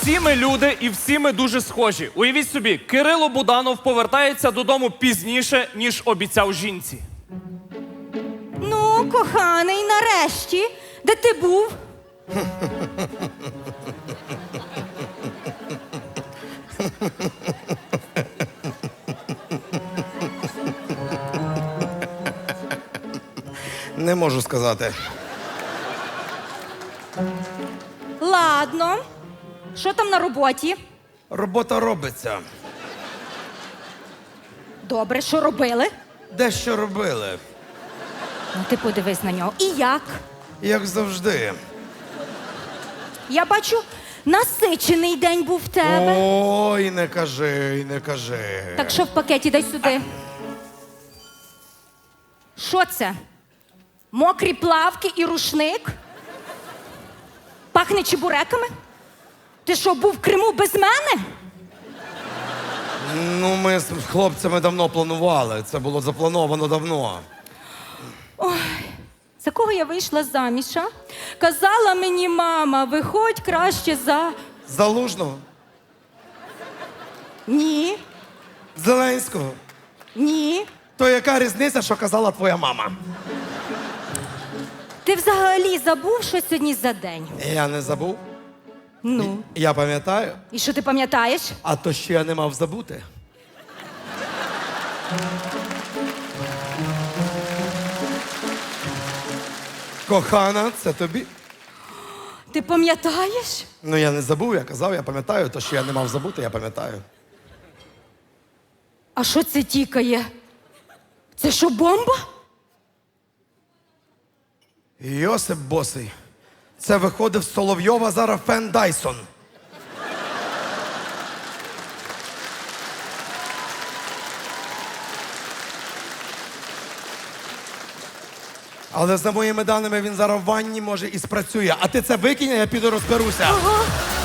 всі ми люди і всі ми дуже схожі. Уявіть собі, Кирило Буданов повертається додому пізніше, ніж обіцяв жінці. Ну, коханий, нарешті. Де ти був? Не можу сказати. Ладно. Що там на роботі? Робота робиться. Добре, що робили? Дещо робили. Ну, ти подивись на нього. І як? Як завжди. Я бачу, насичений день був в тебе. Ой, не кажи, не кажи. Так що в пакеті, дай сюди. Що це? Мокрі плавки і рушник? Пахне чебуреками? Ти що, був в Криму без мене? Ну, ми з хлопцями давно планували. Це було заплановано давно. За кого я вийшла заміж, а? Казала мені мама, виходь краще за... Залужного? Ні, Зеленського? ні. То яка різниця, що казала твоя мама? Ти взагалі забув, що сьогодні за день? Я не забув. Ну, Я пам'ятаю. і що ти пам'ятаєш? А то що я не мав забути. Кохана, це тобі. Ти пам'ятаєш? Ну я не забув, я казав, я пам'ятаю. То, що я не мав забути, я пам'ятаю. А що це тікає? Це що, бомба? Йосип Босий. Це виходив з Соловйова зараз Фен Дайсон. Але за моїми даними він зараз в ванні може і спрацює. А ти це викинь, а я піду розберуся. Ага.